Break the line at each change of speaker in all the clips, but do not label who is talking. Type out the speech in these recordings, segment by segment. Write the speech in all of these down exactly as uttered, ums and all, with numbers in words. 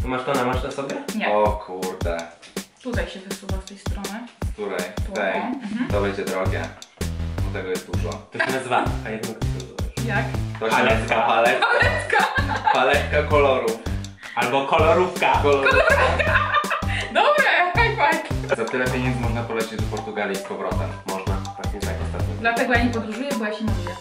Masz to na masz na sobie?
Nie.
O kurde.
Tutaj się wysuwa z tej strony.
Z której?
Tu,
Tej.
o, mhm.
To będzie drogie. Bo tego jest dużo.
To się nazywa... A jak to nazywałeś?
Jak?
To się
Paletka.
nazywa paletka.
Paletka!
Paletka kolorów.
Albo kolorówka.
Kolor...
Dobre, high five!
Za tyle pieniędzy można polecieć do Portugalii z powrotem.
Można, właśnie tak ostatnio.
Dlatego ja nie podróżuję, bo ja się maluję.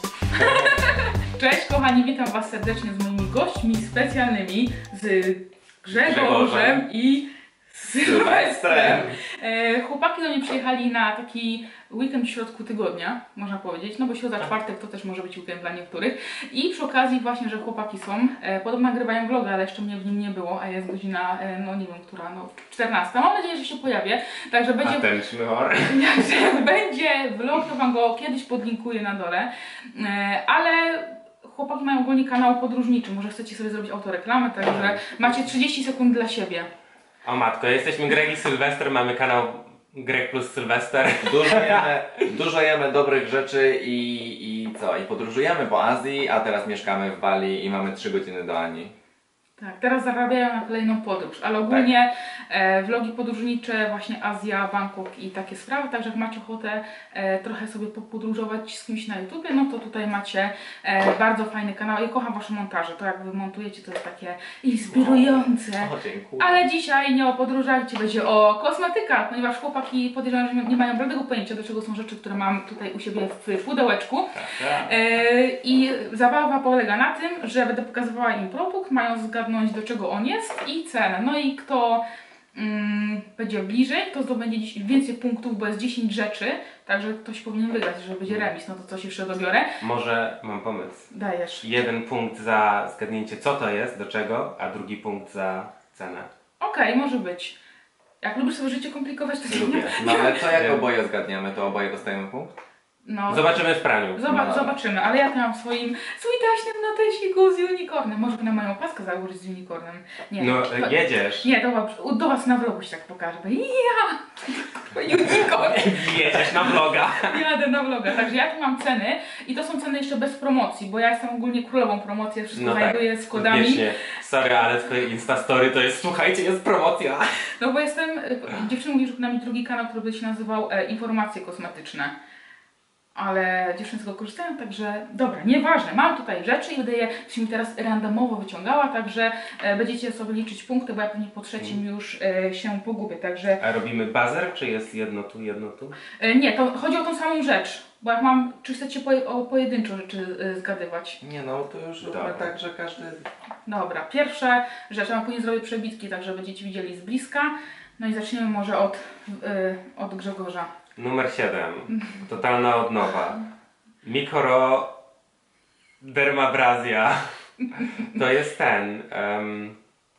Cześć kochani, witam was serdecznie z moimi gośćmi specjalnymi, z Grzegorzem
Grzegorzem.
i
Sylwestrem.
Sylwestrem. E, chłopaki do mnie przyjechali na taki weekend w środku tygodnia, można powiedzieć, no bo środa, czwartek to też może być weekend dla niektórych. I przy okazji właśnie, że chłopaki są, e, podobno nagrywają vloga, ale jeszcze mnie w nim nie było, a jest godzina, e, no nie wiem, która, no czternasta. Mam nadzieję, że się pojawię, także będzie...
Attention.
Jak będzie vlog, to wam go kiedyś podlinkuję na dole, e, ale chłopaki mają ogólnie kanał podróżniczy, może chcecie sobie zrobić autoreklamę, także macie trzydzieści sekund dla siebie.
O matko, jesteśmy Greg i Sylwester, mamy kanał Greg plus Sylwester.
Dużo jemy, dużo jemy dobrych rzeczy i, i co? I podróżujemy po Azji, a teraz mieszkamy w Bali i mamy trzy godziny do Ani.
Tak, teraz zarabiają na kolejną podróż, ale ogólnie e, vlogi podróżnicze, właśnie Azja, Bangkok i takie sprawy, także jak macie ochotę e, trochę sobie popodróżować z kimś na YouTubie, no to tutaj macie e, bardzo fajny kanał. Ja kocham wasze montaże, to jak wy montujecie, to jest takie inspirujące.
O, dziękuję.
Ale dzisiaj nie o podróżach, dzisiaj będzie o kosmetykach, ponieważ chłopaki podejrzewam, że nie mają żadnego pojęcia, do czego są rzeczy, które mam tutaj u siebie w pudełeczku. E, I zabawa polega na tym, że będę pokazywała im produkt, mają zgadnąć, do czego on jest i cenę. No i kto mm, będzie bliżej, to zdobędzie dziś więcej punktów, bo jest dziesięć rzeczy, także ktoś powinien wygrać, że będzie remis, no to coś jeszcze dobiorę.
Może mam pomysł.
Dajesz.
Jeden punkt za zgadnięcie co to jest, do czego, a drugi punkt za cenę.
Okej, okay, może być. Jak lubisz sobie życie komplikować, to
Lubię.
No ale co jak oboje zgadniemy, to oboje dostajemy punkt?
No.
Zobaczymy w praniu.
Zoba
No.
Zobaczymy, ale ja tu mam w swoim switaśnym notesiku z unicornem. Może na moją opaskę założyć z unicornem. Nie,
No
to,
jedziesz.
Nie, do, do was na vlogu się tak pokażę. Ja! Unicorn!
Jedziesz na vloga.
Jadę na vloga, także ja tu mam ceny i to są ceny jeszcze bez promocji, bo ja jestem ogólnie królową promocji, ja wszystko
No tak,
znajduję z kodami.
wiecznie. Sorry, ale twoje Instastory to jest, słuchajcie, jest promocja.
No bo jestem, dziewczyny mówi, że na mnie drugi kanał, który by się nazywał e, Informacje Kosmetyczne. Ale dziewczyny z tego korzystają, także dobra, nieważne, mam tutaj rzeczy i będę je mi teraz randomowo wyciągała, także e, będziecie sobie liczyć punkty, bo ja pewnie po trzecim mm. już e, się pogubię, także...
A robimy buzzer, czy jest jedno tu, jedno tu?
E, nie, to chodzi o tą samą rzecz, bo jak mam, czy chcecie poje, o pojedynczo rzeczy e, zgadywać?
Nie no, to już róbmy tak, że każdy...
Dobra, pierwsza rzecz, ja później zrobię przebitki, także będziecie widzieli z bliska, no i zaczniemy może od, e, od Grzegorza.
Numer siedem. Totalna odnowa. Mikro dermabrazja. To jest ten. Um,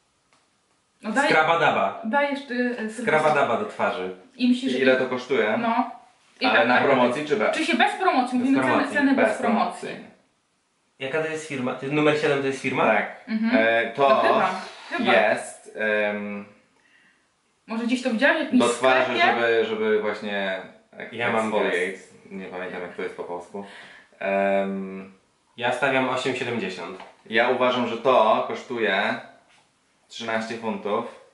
No daj,
skrabadaba.
dajesz ty... e,
Skrabadaba do twarzy.
I myślisz,
I
że...
ile to kosztuje?
No. I
Ale
tak,
na
tak.
promocji czy bez?
Czy się bez promocji? Mówimy ceny,
promocji,
ceny bez,
Bez
promocji.
Jaka to jest firma? To jest numer siedem to jest firma?
Tak.
Mhm.
E,
To
to
chyba, chyba.
jest em,
Może gdzieś to widziałeś w jakimś
do twarzy,
sklepie?
żeby, żeby właśnie
Ja mam
exfoliate. Nie pamiętam jak to jest po polsku. Em,
Ja stawiam osiem siedemdziesiąt.
ja uważam, że to kosztuje trzynaście funtów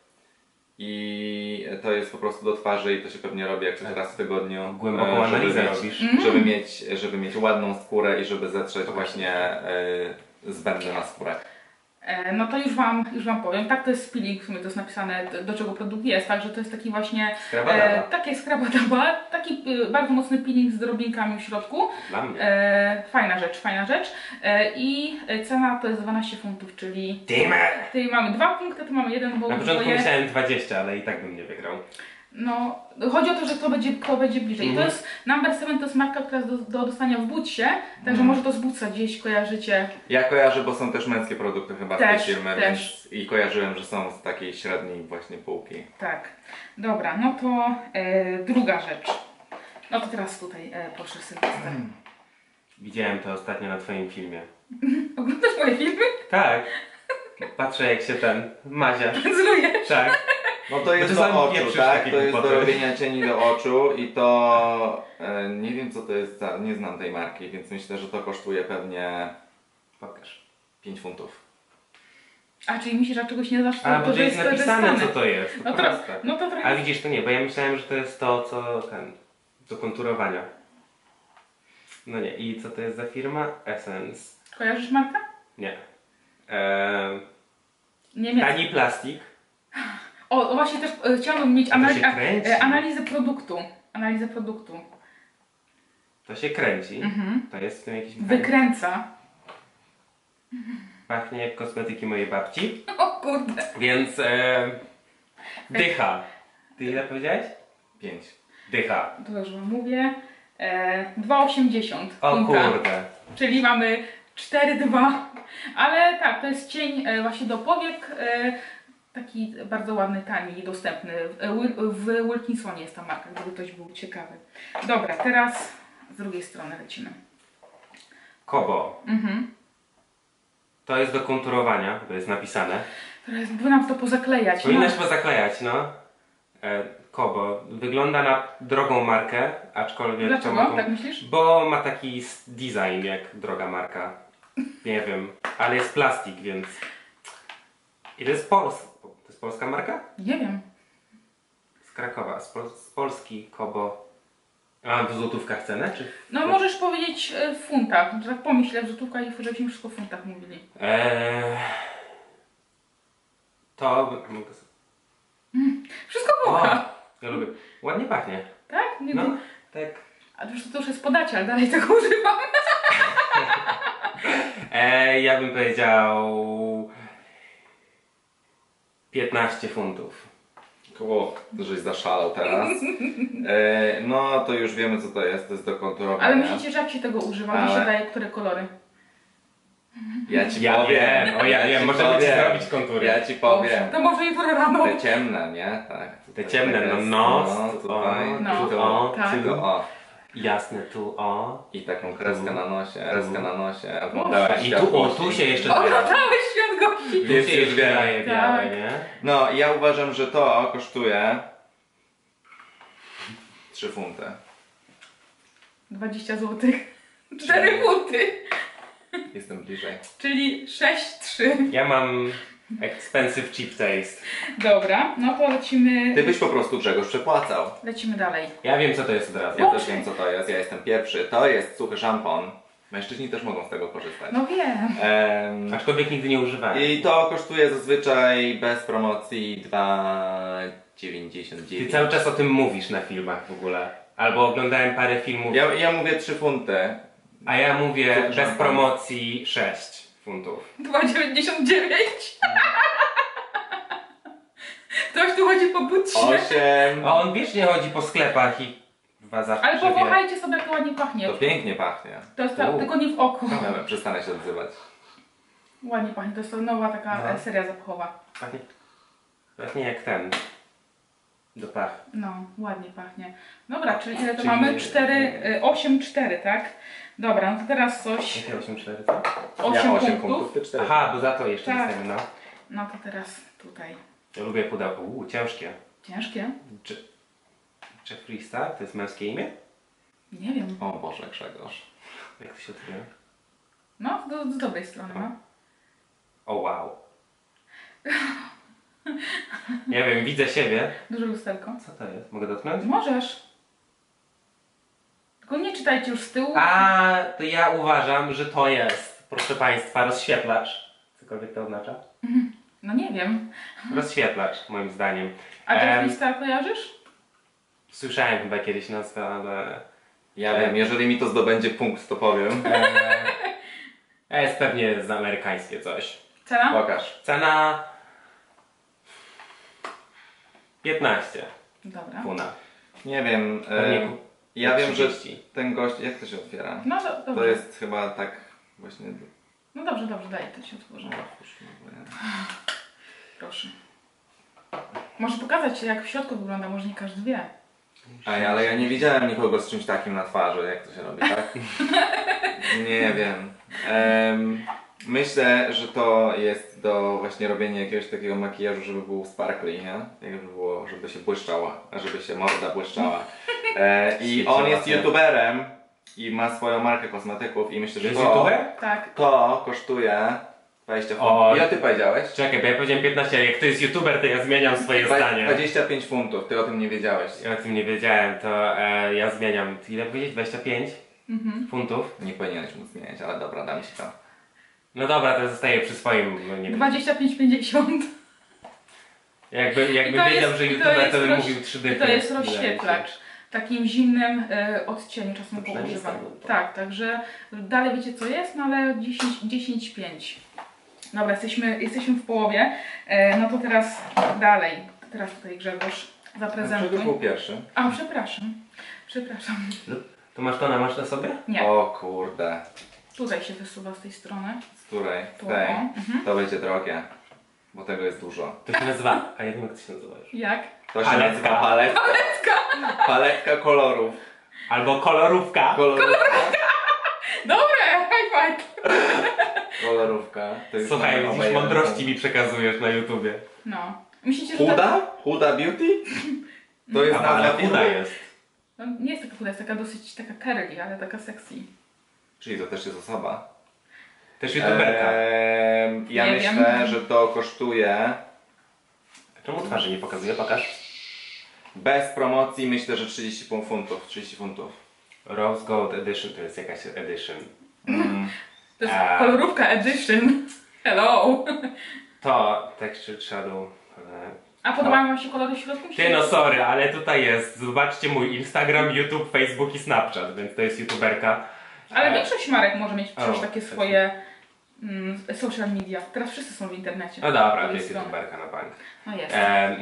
i to jest po prostu do twarzy i to się pewnie robi jak coś raz w tygodniu.
Głęboką
e, żeby
analizę
mieć-
robisz.
Żeby mieć, żeby mieć ładną skórę i żeby zetrzeć właśnie e, zbędne na skórę.
E, no to już wam, już wam powiem. Tak, to jest peeling, w sumie to jest napisane do, do czego produkt jest, także to jest taki właśnie
Skrabadaba.
e, takie skrabadaba, taki e, bardzo mocny peeling z drobinkami w środku.
Dla mnie.
E, fajna rzecz, fajna rzecz. E, I cena to jest dwanaście funtów, czyli
Damn it!
tutaj mamy dwa punkty, tu mamy jeden, bo
Na początku
dwoje...
myślałem dwadzieścia, ale i tak bym nie wygrał.
No, chodzi o to, że kto będzie, kto będzie bliżej. I to
Mhm.
jest, Number seven to jest marka, która jest do, do dostania w Bootsie, także
Mhm.
może to z Bootsa gdzieś kojarzycie.
Ja kojarzę, bo są też męskie produkty chyba
Też,
z tej firmy,
też.
więc i kojarzyłem, że są z takiej średniej właśnie półki.
Tak. Dobra, no to e, druga rzecz. No to teraz tutaj e, proszę Sylwester.
Widziałem to ostatnio na twoim filmie.
Oglądasz moje filmy?
Tak. Patrzę jak się ten mazia.
Zlujesz?
Tak.
No to jest
czasami
do oczu,
pieprzysz
tak?
takie
To jest do
głupoty.
robienia cieni do oczu i to e, nie wiem co to jest za, nie znam tej marki, więc myślę, że to kosztuje pewnie
Pokaż.
pięć funtów.
A, czyli myślisz, że czegoś nie znasz, to,
A,
to,
bo
że
to jest
to, że
napisane, co
stane.
to jest.
No
Po
to,
prostu.
no to
A
trochę...
widzisz, to nie, bo ja myślałem, że to jest to, co ten, do konturowania. No nie, i co to jest za firma? Essence.
Kojarzysz markę?
Nie. Eee,
Niemiecka.
tani plastik.
O, o, właśnie też e, chciałabym mieć
to
anali
się kręci.
e, analizę produktu. Analizę produktu.
To się kręci.
Mhm.
To jest w tym jakiś...
Wykręca.
Pachnie jak kosmetyki mojej babci.
O kurde.
Więc e, dycha. Ty ile powiedziałeś?
Pięć.
Dycha.
To już wam mówię. E, dwa osiemdziesiąt.
O
funta.
kurde.
Czyli mamy cztery dwa. Ale tak, to jest cień e, właśnie do powiek. E, taki bardzo ładny, tani i dostępny. W, e, Wil- w Wilkinsonie jest ta marka, gdyby ktoś był ciekawy. Dobra, teraz z drugiej strony lecimy.
Kobo.
Mhm.
To jest do konturowania, to jest napisane.
Teraz by nam to pozaklejać.
Powinnaś
No.
pozaklejać, no. E, Kobo. Wygląda na drogą markę, aczkolwiek... to
Dlaczego?
mogą-
Tak myślisz?
Bo ma taki s- design jak droga marka. Nie wiem, ale jest plastik, więc... I to jest Pols... To jest polska marka?
Nie wiem.
Z Krakowa, z, Pol... z Polski Kobo. A w złotówkach cenę, czy?
No możesz powiedzieć e, w funtach. Że tak pomyślę, że tutaj żebyśmy wszystko w funtach mówili.
Eee... To... mogę sobie-
Wszystko
O,
było.
ja lubię. Ładnie pachnie.
Tak? Nie,
No,
nie.
tak.
A to już, to już jest podacie, ale dalej tego używam.
Eee, ja bym powiedział... piętnaście funtów.
Koło, żeś zaszalał teraz. E, no to już wiemy co to jest, to jest do konturowania.
Ale myślicie, że jak się tego używa, to
Ale-
się daje które kolory?
Ja ci
Ja
powiem.
wiem, o ja wiem,
ci
możemy ci
powiem.
zrobić kontury.
Ja ci powiem.
To może jutro rano.
Te ciemne, nie? Tak.
Te
Tutaj
ciemne, no
jest-
nos,
no, tutaj,
No.
tu o,
Tak.
tu
tu o.
jasne, tu o.
I taką kreskę na nosie, kreskę na nosie.
A
Oglądałeś
i tu o,
światłości.
tu się jeszcze zbiera.
Oglądałeś świat gości.
Tu
Jest
się
już
jeszcze
wiem.
daje białe,
Tak.
nie?
No ja uważam, że to kosztuje trzy funty.
dwadzieścia złotych. cztery funty.
Jestem bliżej.
Czyli sześć trzy.
Ja mam expensive cheap taste.
Dobra, no to lecimy.
Ty byś po prostu Grzegorz przepłacał.
Lecimy dalej.
Ja wiem co to jest od razu.
Ja
Boże.
też wiem co to jest, ja jestem pierwszy. To jest suchy szampon. Mężczyźni też mogą z tego korzystać.
No wiem.
Em,
Aczkolwiek nigdy nie używałem.
I to kosztuje zazwyczaj bez promocji dwa dziewięćdziesiąt
Ty
dziewięć.
cały czas o tym mówisz na filmach w ogóle. Albo oglądałem parę filmów,
Ja, ja mówię trzy funty.
a ja mówię
Suchy
bez
szampon.
promocji sześć funtów.
dwa dziewięćdziesiąt dziewięć. Ktoś tu chodzi po butsie.
osiem.
A on wiecznie chodzi po sklepach i dwa zawsze
Ale
wie.
powąchajcie sobie, jak to ładnie pachnie.
To pięknie pachnie.
To jest ta,
U.
tylko nie w oko.
Dobra, przestanę się odzywać.
Ładnie pachnie, to jest to nowa taka
No.
e, seria zapachowa.
Pachnie, pachnie jak ten. Do pach.
No, ładnie pachnie. Dobra, czyli ile to
Czyli-
mamy? cztery, osiem cztery, tak? Dobra, no to teraz coś.
Jakie osiem cztery co?
osiem
ja osiem
punktów.
punktów, ty cztery.
Aha, bo za to jeszcze
Tak.
dostajemy, no.
No to teraz tutaj.
Ja lubię pudełko. Uuu, ciężkie.
Ciężkie?
Czy... Jeffree Star? To jest męskie imię?
Nie wiem.
O Boże, Grzegorz.
Jak to się odkrywa?
No, do, z dobrej strony, no.
O wow. Nie wiem, widzę siebie.
Duże lusterko.
Co to jest? Mogę dotknąć?
Możesz. Tylko nie czytajcie już z tyłu.
A, to ja uważam, że to jest, proszę Państwa, rozświetlacz. Cokolwiek to oznacza?
No nie wiem.
Rozświetlacz, moim zdaniem.
A
Em,
Jeffree Star kojarzysz?
Słyszałem chyba kiedyś nazwę, ale...
Ja wiem, jeżeli mi to zdobędzie punkt, to powiem.
E, jest pewnie z amerykańskie coś.
Cena?
Pokaż.
Cena... piętnaście
Dobra.
funa.
Nie wiem.
Pewnie
E,
kup-
ja wiem, że
trzydzieści.
ten gość. Jak to się otwiera?
No do, dobrze.
To jest chyba tak właśnie.
No dobrze, dobrze, daj, to się otworzy. Proszę. Może pokazać jak w środku wygląda, może nie każdy wie.
Ej, ale ja nie widziałem nikogo z czymś takim na twarzy, jak to się robi, tak? Nie wiem. Em, myślę, że to jest do właśnie robienia jakiegoś takiego makijażu, żeby był sparkly, nie? Jakby było, żeby się błyszczała, żeby się morda błyszczała. E, I
Świeciła
on jest
się.
youtuberem i ma swoją markę kosmetyków i myślę, że
Jest
to,
youtuber?
Tak.
to kosztuje dwadzieścia
O.
funtów. Ile ty powiedziałeś?
Czekaj, bo ja powiedziałem piętnaście, ale jak to jest youtuber, to ja zmieniam swoje
Dwa-
zdanie.
dwadzieścia pięć funtów, ty o tym nie wiedziałeś.
Ja o tym nie wiedziałem, to e, ja zmieniam. Ile powiedzieć? dwadzieścia pięć
Mhm.
funtów?
Nie powinieneś mu zmieniać, ale dobra, dam ci to.
No dobra, to zostaję przy swoim. No nie wiem.
dwadzieścia pięć pięćdziesiąt.
Jakby, jakby
I to
wiedział,
jest-
że
i to
youtuber, to,
jest
bym
roz-
mówił trzy dychy.
To jest
wydaje mi się.
rozświetlacz. W takim zimnym e, odcieniu czasem
To
go
przynajmniej
używam.
stało, to.
Tak, także dalej wiecie co jest, no ale dziesięć pięć. Dobra, jesteśmy, jesteśmy w połowie. E, no to teraz dalej. Teraz tutaj Grzegorz zaprezentuj.
Grzegorz był pierwszy.
A, przepraszam. Przepraszam.
To masz to na masz na sobie?
Nie,
O kurde.
tutaj się wysuwa z tej strony.
Z której?
Tu,
Z tej.
o, mhm.
To będzie drogie. Bo tego jest dużo.
To się nazywa. A ja wiem jak to się nazywa już.
Jak?
To się
Paletka.
nazywa paletka. Paletka kolorów.
Albo kolorówka.
Kolorówka.
Dobre, high five!
Kolorówka. To jest
Słuchaj,
moje
widzisz,
obejrzenie.
mądrości mi przekazujesz na YouTubie.
No. Myślicie, że to...
Huda? Huda Beauty? To jest
A,
nazwa
ale
firmy?
chuda jest.
No, nie jest taka chuda, jest taka dosyć taka curly, ale taka sexy.
Czyli to też jest osoba.
Też youtuberka.
Eee, ja
Nie
myślę,
wiem.
że to kosztuje
Czemu twarzy nie pokazuje? Pokaż.
bez promocji myślę, że trzydzieści funtów. trzydzieści funtów.
Rose Gold Edition to jest jakaś edition.
Mm.
To jest
A.
kolorówka edition. Hello!
To Texture Shadow. e,
A podobają wam się kolory w środku?
Ty no sorry, ale tutaj jest. Zobaczcie mój Instagram, YouTube, Facebook i Snapchat, więc to jest youtuberka.
Ale
E,
większość marek może mieć przecież
O,
takie
tak.
swoje mm, social media. Teraz wszyscy są w internecie.
No dobra,
Z
to
tej
jest
strony.
youtuberka na bank.
No jest.
Em,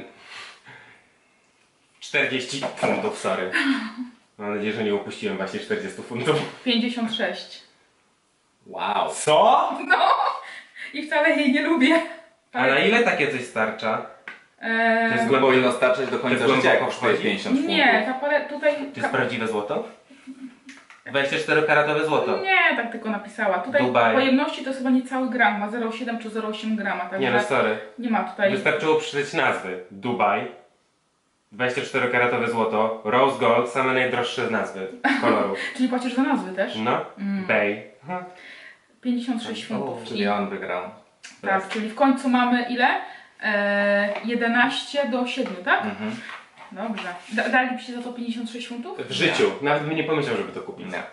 czterdzieści funtów, sorry. Mam nadzieję, że nie upuściłem właśnie czterdzieści funtów.
pięćdziesiąt sześć.
Wow.
Co?
No! I wcale jej nie lubię.
A na ile takie coś starcza?
Eee,
To jest
Nie powinno starczyć do końca
To jest
życia, jak
głęboko
kosztuje
wchodzi?
pięćdziesiąt funtów.
nie, ta pale tutaj...
To jest prawdziwe złoto? dwadzieścia cztery karatowe złoto.
Nie, tak tylko napisała. Tutaj
Dubaj.
pojemności to jest chyba niecały gram, ma zero przecinek siedem czy zero przecinek osiem grama, także
Nie no sorry.
nie ma tutaj...
Wystarczyło przeczytać nazwy. Dubaj. dwadzieścia cztery karatowe złoto. Rose Gold. Same najdroższe nazwy kolorów.
Czyli płacisz za nazwy też?
No.
Mm.
Bay. Aha.
pięćdziesiąt sześć
O,
funtów.
Czyli on wygrał.
Tak, czyli w końcu mamy ile? Eee, jedenaście do siedmiu, tak?
Mhm.
Dobrze. Da, dalibyście za to pięćdziesiąt sześć funtów?
W życiu. Nawet bym nie pomyślał, żeby to kupić.
Nie.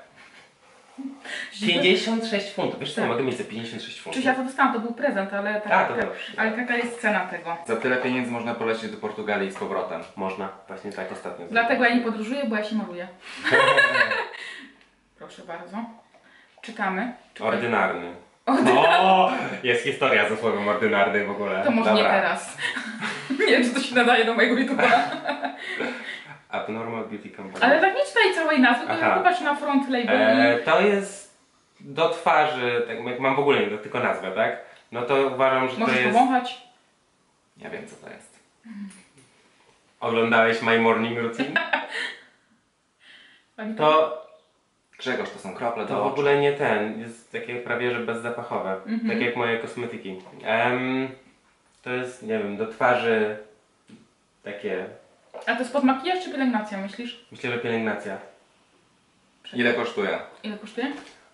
pięćdziesiąt sześć funtów. Wiesz co, ja
Tak.
mogę mieć za pięćdziesiąt sześć funtów.
Czyż ja to dostałam, to był prezent, ale taka,
A, to dobrze.
ale taka jest cena tego.
Za tyle pieniędzy można polecieć do Portugalii z powrotem.
Można. Właśnie tak ostatnio.
Dlatego ja nie podróżuję, bo ja się maluję. Proszę bardzo. Czytamy. Czekaj.
Ordynarny. O, jest historia ze słowem ordynarny w ogóle.
To może nie
Dobra.
teraz. Nie wiem, czy to się nadaje do mojego YouTube'a.
Abnormal Beauty Company.
Ale tak nie czytaj całej nazwy, tylko
Aha.
popatrz na front label
E, to jest do twarzy, tak jak mam w ogóle nie, tylko nazwę, tak? No to uważam, że
i możesz
to jest...
powąchać.
Ja wiem co to jest.
Oglądałeś My Morning Routine?
Pani
To,
Grzegorz, to są krople do
to w
oczu.
ogóle nie ten, jest takie prawie że bezzapachowe,
Mhm.
tak jak moje kosmetyki. Em, to jest, nie wiem, do twarzy takie,
A to jest pod makijaż czy pielęgnacja, myślisz?
myślę, że pielęgnacja.
Ile kosztuje?
Ile kosztuje?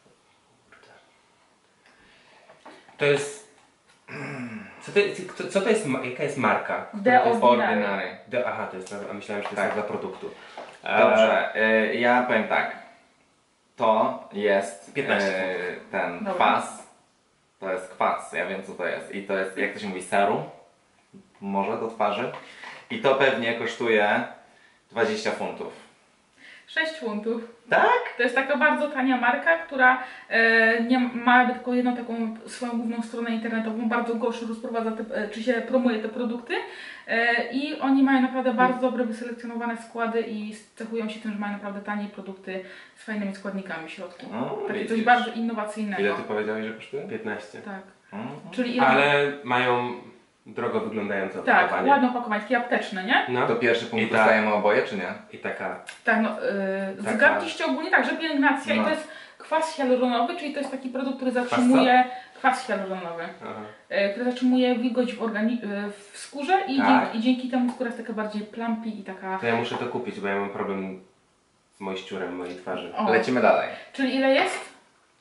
To jest... Co to, jest- co, co to jest, ma- jaka jest marka?
The
To jest
Ordinary.
Ordinary.
The, aha, to jest, nazwa- a myślałem, że to jest
Tak.
nazwa produktu.
Dobrze, y, ja powiem tak. To jest
piętnaście.
y, ten
Dobra.
kwas. To jest kwas, ja wiem co to jest. I to jest, jak to się mówi, serum? Może do twarzy. I to pewnie kosztuje dwadzieścia funtów.
sześć funtów.
Tak?
To jest taka bardzo tania marka, która e, nie ma tylko jedną taką swoją główną stronę internetową, bardzo gorszo rozprowadza, te, e, czy się promuje te produkty e, i oni mają naprawdę bardzo dobre, wyselekcjonowane składy i cechują się tym, że mają naprawdę tanie produkty z fajnymi składnikami w środku.
No,
Takie coś
widzisz.
bardzo innowacyjnego.
Ile ty powiedziałeś, że kosztuje?
piętnaście.
Tak.
Mhm.
Czyli ile...
Ale mają drogo wyglądające
Tak,
opakowanie.
ładne opakowanie, takie apteczne, nie?
No.
To pierwszy punkt
I tak.
dostajemy oboje, czy nie?
I taka...
Tak, no, yy,
Taka-
zgadliście ogólnie tak, że pielęgnacja
No.
i to jest kwas hialuronowy, czyli to jest taki produkt, który zatrzymuje kwas hialuronowy,
Aha.
yy, który zatrzymuje wilgoć w, organi- yy, w skórze i,
Tak.
dzięki, i dzięki temu skóra jest taka bardziej plumpy i taka...
To ja muszę to kupić, bo ja mam problem z moiściurem mojej twarzy.
O,
Lecimy dalej.
czyli ile jest? Trz-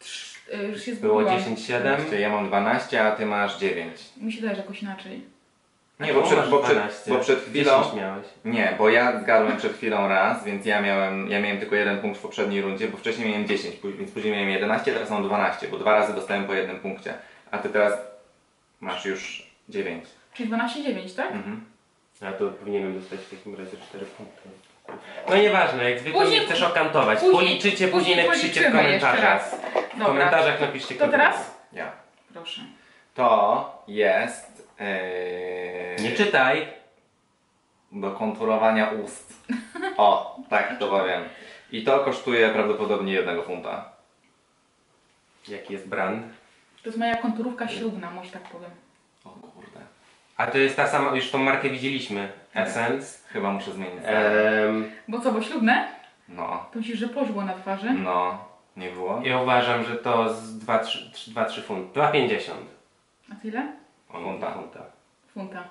y, już się
Było
zgubiłam.
dziesięć siedem.
Ja mam dwanaście, a ty masz dziewięć.
Mi się daje, że jakoś inaczej.
Nie, bo przed, bo, przed, bo przed chwilą...
dziesięć miałeś.
Nie, bo ja zgadłem przed chwilą raz, więc ja miałem, ja miałem tylko jeden punkt w poprzedniej rundzie, bo wcześniej miałem dziesięć, później- więc później miałem jedenaście, teraz mam dwanaście, bo dwa razy dostałem po jednym punkcie. A ty teraz masz już dziewięć.
Czyli dwanaście dziewięć, tak?
Mhm.
A to powinienem dostać w takim razie cztery punkty. No nieważne, jak zwykle
Później-
nie chcesz okantować.
później-
Policzycie, później
później
napiszcie w
policzymy jeszcze
komentarzach.
raz.
W
Dobra.
komentarzach napiszcie
To
kto
teraz?
Ja.
Proszę.
To jest... Yy,
Nie czytaj.
do konturowania ust. O, tak to powiem. I to kosztuje prawdopodobnie jednego funta.
Jaki jest brand?
To jest moja konturówka ślubna, może tak powiem.
O kurde.
A to jest ta sama, już tą markę widzieliśmy. Essence.
Chyba muszę zmienić.
Ehm,
Bo co, bo ślubne?
No,
To myślisz, że poszło na twarzy?
no, nie było?
ja uważam, że to z dwa trzy funty. dwa pięćdziesiąt.
A tyle?
Funta.
Funta.
Funta.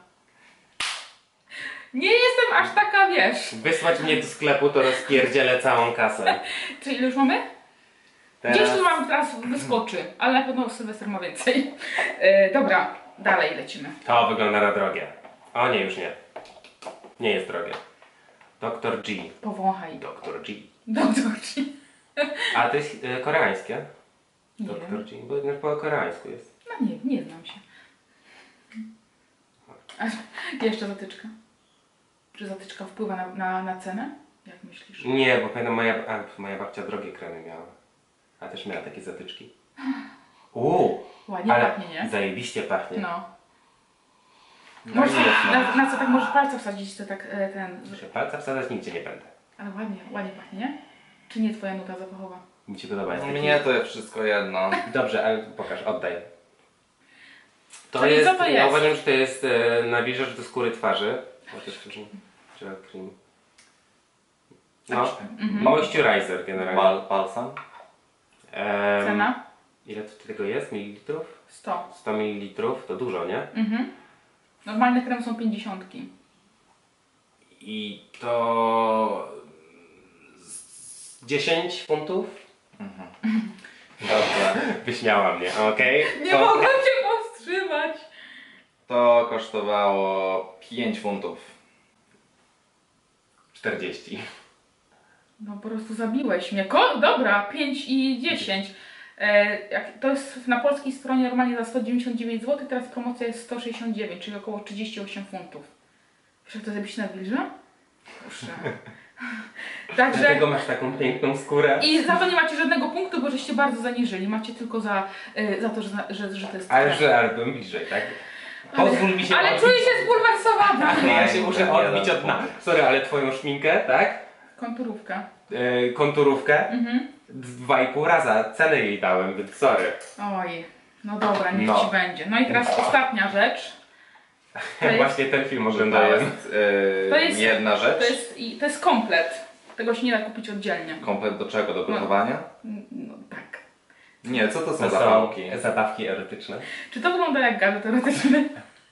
Nie jestem aż taka, wiesz.
Wysłać mnie do sklepu, to rozpierdzielę całą kasę.
Czy ile już mamy?
Teraz...
Gdzieś tu mam teraz wyskoczy, ale na pewno Sylwester ma więcej. E, dobra, dalej lecimy.
To wygląda na drogie. O nie, już nie. Nie jest drogie. doktor G.
Powąchaj.
doktor G.
Doktor G.
A to jest e, koreańskie?
Nie
doktor
wiem.
G. Bo no, po koreańsku jest.
No nie, nie znam się. A, jeszcze zatyczka. Czy zatyczka wpływa na, na, na cenę? Jak myślisz?
Nie, bo pamiętam moja, a, moja babcia drogie kremy miała. A też miała takie zatyczki. Uuu,
Ładnie
ale
pachnie, nie?
zajebiście pachnie.
No.
No
Możesz,
nie jest, no.
na, na co tak możesz palce wsadzić, to tak e, ten...
Że palca wsadzać nigdzie nie będę.
Ale ładnie, ładnie pachnie, nie? Czy nie twoja nuta zapachowa?
Mi się podoba. Jest taki...
Mnie to jest wszystko jedno.
Dobrze, ale pokaż, oddaj. To
Czyli
jest,
co to
ja
jest?
uważam, że to jest e, nawilżacz do skóry twarzy. Chociaż wcześniej gel cream. No,
Mhm.
moisturizer generalnie.
Bal, balsam?
Em,
Cena?
Ile tu tego jest? Mililitrów?
sto.
sto mililitrów, to dużo, nie?
Mhm. Normalne kremy są pięćdziesiątki.
I to z dziesięć funtów?
Dobrze.
Wyśmiała mnie, okej?
Nie
To-
mogę cię powstrzymać!
To kosztowało pięć funtów.
czterdzieści.
No po prostu zabiłeś mnie. Ko dobra, pięć i dziesięć. E, jak, to jest na polskiej stronie normalnie za sto dziewięćdziesiąt dziewięć złotych, teraz promocja jest sto sześćdziesiąt dziewięć, czyli około trzydzieści osiem funtów. Wiesz jak to zrobić na wilża? Proszę. Także...
Dlatego masz taką piękną skórę.
I za to nie macie żadnego punktu, bo żeście bardzo zaniżyli. Macie tylko za, y, za to, że, że, że to jest
Ale
krem.
że ale byłem bliżej, tak? Pozwól mi się
Ale
odbić.
czuję się zbulwersowana.
Ale ja się
Nie,
muszę
nie
odbić
dam
od dna.
punktu.
Sorry, ale twoją szminkę, tak?
Konturówka.
Yy, konturówkę.
Mhm.
Dwa i pół raza cenę jej dałem, więc sorry.
Oj, no dobra, niech
No.
ci będzie. No i teraz ostatnia rzecz. To jest,
Właśnie ten film
To
oglądałem.
jest, yy,
To jest-
jedna rzecz.
to jest, i- to jest komplet. Tego się nie da kupić oddzielnie.
Komplet do czego? Do gotowania?
No tak.
Nie, co to są
To
zapałki?
są zabawki erotyczne.
Czy to wygląda jak gadżet teoretyczny?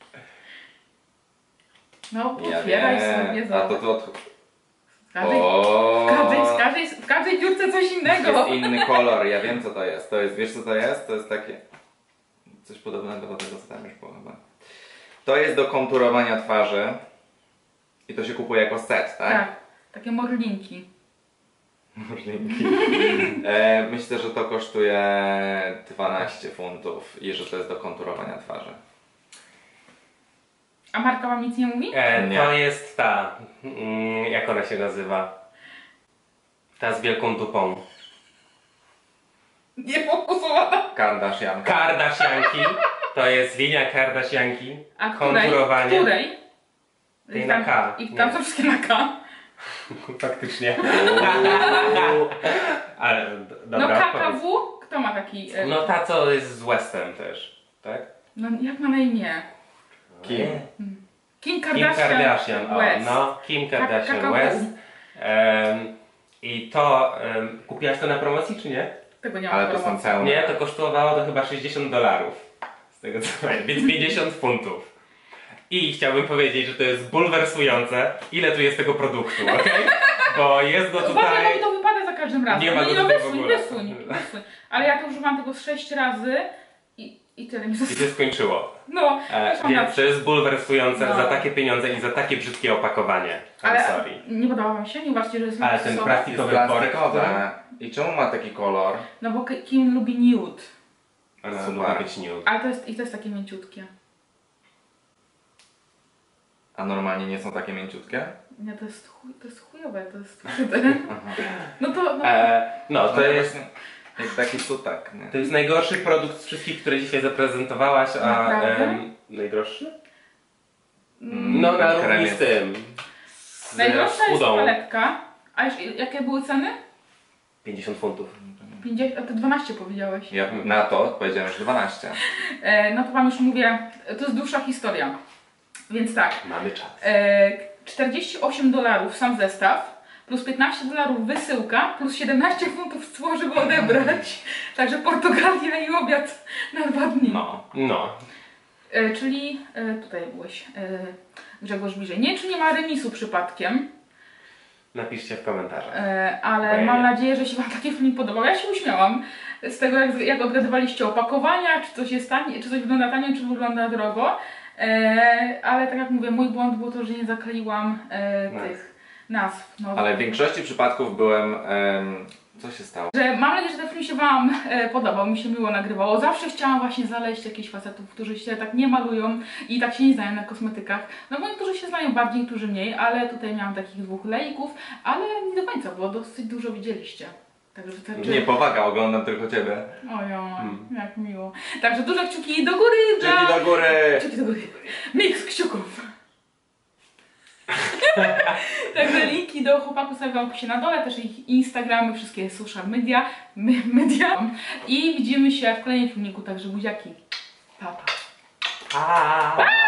No,
Ja
otwieraj
wiem.
sobie,
A to
zobacz.
to od...
W każdej,
O,
w, każdej, w, każdej, w każdej dziurce coś innego.
jest inny kolor, ja wiem co to jest. To jest, wiesz co to jest? To jest takie... Coś podobnego do tego co tam już było chyba. To jest do konturowania twarzy. I to się kupuje jako set, tak?
Tak, takie morlinki.
Możliwki. E, myślę, że to kosztuje dwanaście funtów i że to jest do konturowania twarzy.
A marka wam nic nie mówi?
E,
Nie.
to jest ta, mm, jak ona się nazywa? Ta z wielką dupą.
Nie fokusowana.
Kardashian.
Kardashianki. To jest linia Kardashianki.
A której?
Konturowanie.
Której?
Tej
I
na
tam-
K.
I tam
Nie.
są wszystkie na K.
Faktycznie.
Uuu.
Ale d-
No
dobra,
K K
powiedz.
W? Kto ma taki... e,
No ta co jest z Westem też, tak?
No jak ma na imię?
Kim?
Kim
Kim
Kardashian,
Kardashian, o,
West.
no, Kim Kardashian
K K W.
West. Em, I to, em, kupiłaś to na promocji czy nie?
Tego nie mam
Ale to są
promocji.
pełne.
Nie, to kosztowało to chyba sześćdziesiąt dolarów. Z tego co pamiętam, więc pięćdziesiąt funtów. I chciałbym powiedzieć, że to jest bulwersujące, ile tu jest tego produktu, okej? Bo jest go
Uważaj, bo mi
tutaj...
to wypada za każdym razem.
Nie ma
no,
go
no,
tutaj w
wysuń,
ogóle.
wysuń, wysuń. Ale ja to używam tego z sześć razy i, i tyle mi
I
zostało.
się skończyło.
No,
E,
też mam
więc
rację.
to jest bulwersujące
No.
za takie pieniądze i za takie brzydkie opakowanie. I'm
Ale
sorry.
nie podoba wam się? Nie uważacie, że jest
Ale ten
luksusowe?
plastikowy
Jest
worek,
plastikowe. I czemu ma taki kolor?
No bo Kim lubi nude.
ale
Super.
lubi być nude.
Ale to jest, i to jest takie mięciutkie.
A normalnie nie są takie mięciutkie?
Nie, to jest, chuj, to jest chujowe, to jest No to, no,
E, no, to jest,
właśnie jest taki sutak, nie?
to jest najgorszy produkt z wszystkich, które dzisiaj zaprezentowałaś, a
Naprawdę?
em, najdroższy?
Mm,
No,
ten
na
krem
równi z
jest-
tym. Z
najgorsza jest
udą.
paletka. A już, jakie były ceny?
pięćdziesiąt funtów.
pięćdziesiąt, a ty dwanaście powiedziałeś.
Ja na to powiedziałem, że dwanaście.
E, no to wam już mówię, to jest dłuższa historia. Więc tak,
Mamy czas.
e, czterdzieści osiem dolarów sam zestaw, plus piętnaście dolarów wysyłka, plus siedemnaście funtów cło, żeby odebrać. Także Portugalia i obiad na dwa dni.
No.
No.
E, czyli, e, tutaj byłeś, e, Grzegorz bliżej. Nie wiem, czy nie ma remisu przypadkiem,
Napiszcie w komentarzach.
e, ale
Ojej.
mam nadzieję, że się wam taki film podobał. Ja się uśmiałam z tego, jak, jak odgadywaliście opakowania, czy coś jest tanie, czy coś wygląda tanio, czy wygląda drogo. E, ale tak jak mówię, mój błąd było to, że nie zakleiłam e,
Nazw.
tych nazw. No,
Ale w większości przypadków byłem... em, co się stało?
Że mam nadzieję, że ten film się wam e, podobał, mi się miło nagrywało. Zawsze chciałam właśnie znaleźć jakichś facetów, którzy się tak nie malują i tak się nie znają na kosmetykach. No bo niektórzy się znają bardziej, niektórzy mniej, ale tutaj miałam takich dwóch lejków, ale nie do końca, bo dosyć dużo widzieliście. Także wystarczy...
Nie, powaga, oglądam tylko ciebie.
Ojo,
Hmm.
jak miło. Także duże kciuki do góry dla...
Kciuki do góry!
Kciuki do góry. Miks kciuków. Także linki do chłopaków stawiam się na dole, też ich Instagramy, wszystkie social media, my, media. I widzimy się w kolejnym filmiku, także buziaki. Pa, pa.
Pa!